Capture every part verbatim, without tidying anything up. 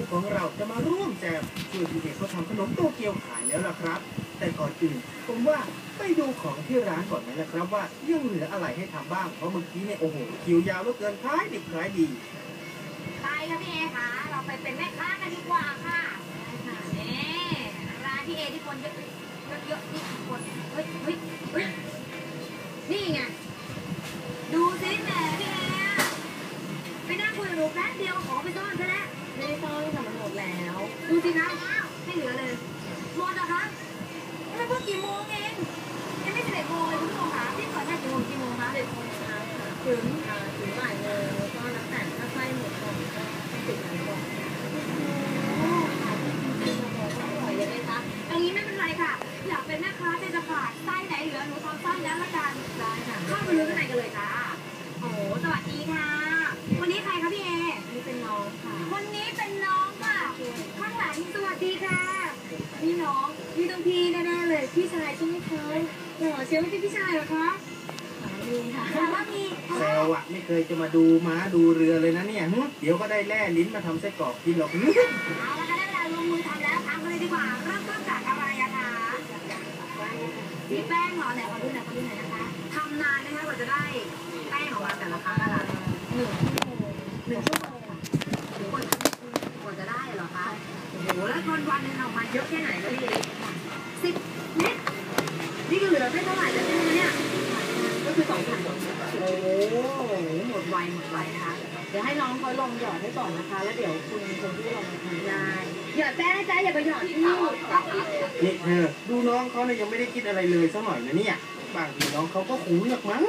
ของเราจะมาร่วมแจมช่วยพี่เอกเขาทำขนมโตเกียวขายแล้วล่ะครับแต่ก่อนอื่นผมว่าไปดูของที่ร้านก่อนไหมล่ะครับว่ายังเหลืออะไรให้ทำบ้างเพราะเมื่อกี้เนี่ยโอ้โหคิวยาวเหลือเกินขายดิบขายดีไปค่ะพี่เอค่ะเราไปเป็นแม่ค้ากันดีกว่าค่ะนี่ร้านพี่เอที่คนเยอะเยอะนี่คนเฮ้ยเฮ้ยเฮ้ยนี่ไงดูสิแหมพี่เอไปนั่งคุยกับหนูแป๊บเดียวของไปซ่อนซะแล้วไม่ได้ซ่อนค่ะมันหมดแล้วดูสิคะไม่เหลือเลยหมดเหรอคะนี่มันเพิ่งกี่โมงเองยังไม่สิบเอ็ดโมงเลยคุณผู้ชมค่ะพี่เปิดให้กี่โมงกี่โมงคะสิบโมงเช้าค่ะถึงถึงบ่ายโมงแล้วก็นับแต่ถ้าไส้หมดก่อนก็ต้องปิดร้านก่อนโอ้ขายจริงๆเราบอกว่าอร่อยเลยไหมคะอย่างนี้ไม่เป็นไรค่ะอยากเป็นแม่ค้าใจจะขาดไส้ไหนเหลือหนูทำไส้แล้วละกันได้ค่ะเข้าไปดูข้างในกันเลยค่ะโอ้สวัสดีค่ะวันนี้ใครคะพี่เอนี่เป็นน้องค่ะวันนี้เป็นน้องค่ะข้างหลังสวัสดีค่ะนี่น้องนี่ต้องพี่แน่ๆเลยพี่ชายใช่ไหมคะหล่อเชียวไม่ใช่พี่ชายเหรอคะมีค่ะแต่ว่ามีแซวอะไม่เคยจะมาดูม้าดูเรือเลยนะเนี่ยเดี๋ยวก็ได้แล่ลิ้นมาทำไส้กรอกกินหรอกเอาละค่ะได้เวลาลงมือทำแล้วทำกันเลยดีกว่าเริ่มต้นจากอะไรอะคะมีแป้งเหรอไหนขอดูหน่อยขอดูหน่อยนะคะทำนานนะคะกว่าจะได้แป้งออกมาแต่ละครั้งนะคะหนึ่งชั่วโมงหนึ่งชั่วโมงถึงคนทำกว่าจะได้เหรอคะโอ้โหแล้ววันวันนึงออกมาเยอะแค่ไหนก็พี่สิบเม็ดนี่ก็เหลือแค่เท่าไหร่แล้วใช่ไหมเนี่ยก็คือสองพันโอ้โหหมดไวหมดไวนะคะเดี๋ยวให้น้องเขาลองหยอดให้ก่อนนะคะแล้วเดี๋ยวคุณคนที่ลองทำได้หยอดแป้งนะจ๊ะอย่าไปหยอดที่นี่นี่เธอดูน้องเขาเนี่ยยังไม่ได้คิดอะไรเลยสักหน่อยนะเนี่ยบางทีน้องเขาก็ขู่เลือกมั้ง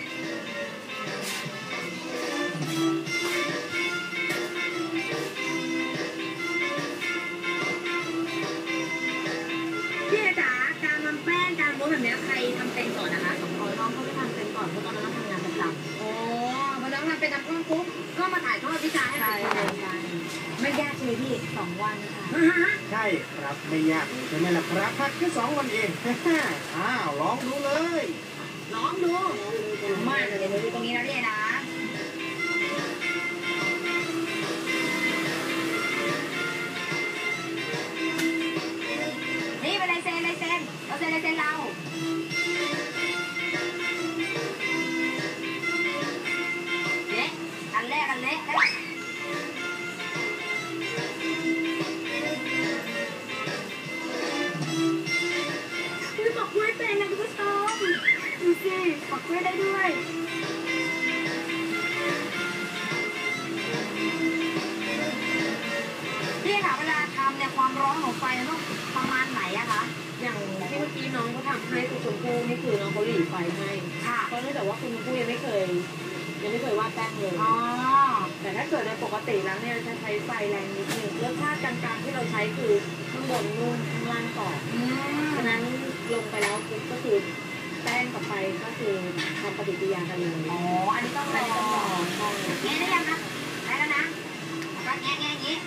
พี่จ๋าการทำแป้งการม้วนแบบนี้ใครทำเป็นก่อนนะคะสองคนน้องเขาไม่ทำเป็นก่อนเพราะตอนนั้นเราทำงานประจำโอ้พอน้องทำเป็นทำก้อนปุ๊บก็มาถ่ายทอดวิชาให้เราไม่ยากเลยพี่สองวันค่ะใช่ครับไม่ยากใช่ไหมล่ะครับพักแค่สองวันเองอ้าวลองดูเลยลองดูมาเดี๋ยวดูตรงนี้นะพี่นะนี่เป็นลายเซ็นลายเซ็นเราเซ็นลายเซ็นเราเละอันแรกอันเละแล้วปักกล้วยเป็นนะคุณผู้ชมดูสิปักกล้วยได้ด้วยพี่ค่ะเวลาทำเนี่ยความร้อนของไฟต้องประมาณไหนอะคะอย่างที่เมื่อกี้น้องเขาทำให้คุณชมพู่นี่คือน้องเขาหลีไฟให้ค่ะเพราะเนื่องจากว่าคุณชมพู่ยังไม่เคยยังไม่เคยวาดแป้งเลยอ๋อแต่ถ้าเกิดในปกติแล้วเนี่ยจะใช้ไฟแรงนิดนึงรสชาติกลางๆที่เราใช้คือข้างบนนุ่มข้างล่างกรอบฉะนั้นลงไปแล้วก็คือแป้งกับไฟก็คือทำปฏิกิริยากันเลยอ๋ออันนี้ต้องรอแง่ได้ยังคะได้แล้วนะแล้วก็แง่แง่อย่างนี้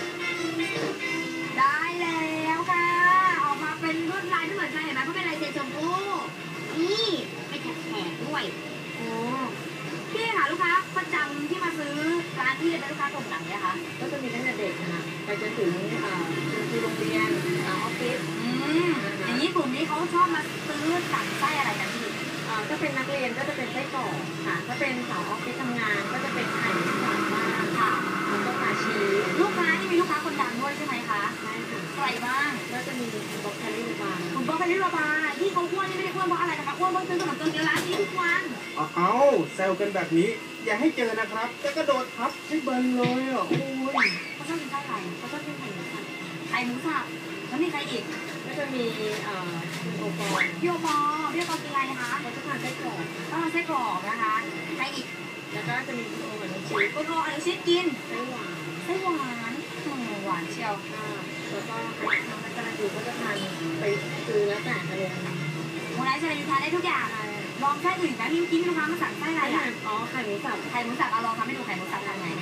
ได้แล้วค่ะออกมาเป็นลวดลายที่เหมือนกันเห็นไหมเพราะเป็นลายเซ็นชมพู่นี่ไม่แฉะด้วยโอ้พี่ค่ะลูกค้าประจำที่มาซื้อร้านที่เป็นลูกค้ากลุ่มไหนอะคะก็จะมีตั้งแต่เด็กนะคะไปจนถึงคุณครูโรงเรียนออฟฟิศอย่างนี้กลุ่มนี้เขาชอบมาซื้อสั่งไส้อะไรกันพี่ถ้าเป็นนักเรียนก็จะเป็นไส้กรอกค่ะถ้าเป็นสาวออฟฟิศทำงานก็จะเป็นไข่สามบ้านค่ะแล้วก็ปลาชีลูกค้านี่มีลูกค้าคนดังด้วยใช่ไหมคะใช่ค่ะใครบ้างก็จะมีคุณบ๊อบคาริโอบาคุณบ๊อบคาริโอบาที่เขาอ้วนนี่ไม่ได้อ้วนเพราะอะไรนะคะอ้วนเพราะซื้อขนมโตเกียวร้านนี้ทุกวันเอาแซวกันแบบนี้อย่าให้เจอนะครับจะกระโดดทับให้เบิร์นเลยอ่ะโอ้ยเขาชอบกินไส้อะไรเขาชอบกินไข่หมูสับไข่หมูสับแล้วมีใครอีกก็จะมีเอ่อโอปอพี่โอปอพี่โอปอกินอะไรนะคะเขาจะทานไส้กรอกก็ทานไส้กรอกนะคะใครอีกแล้วก็จะมีคุณโอกับน้องชีสคุณโออนุชิตกินไส้หวานไส้หวานหวานเชียวแล้วก็ทางนักการดูก็จะทานไปคือแล้วแต่อารมณ์โมไนซ์จะทานได้ทุกอย่างลองไส้อื่นนะพี่กินลูกค้ามาสั่งไส้อะไรอ่ะอ๋อไข่หมูสับไข่หมูสับเอาลองทำให้ดูไข่หมูสับทำไง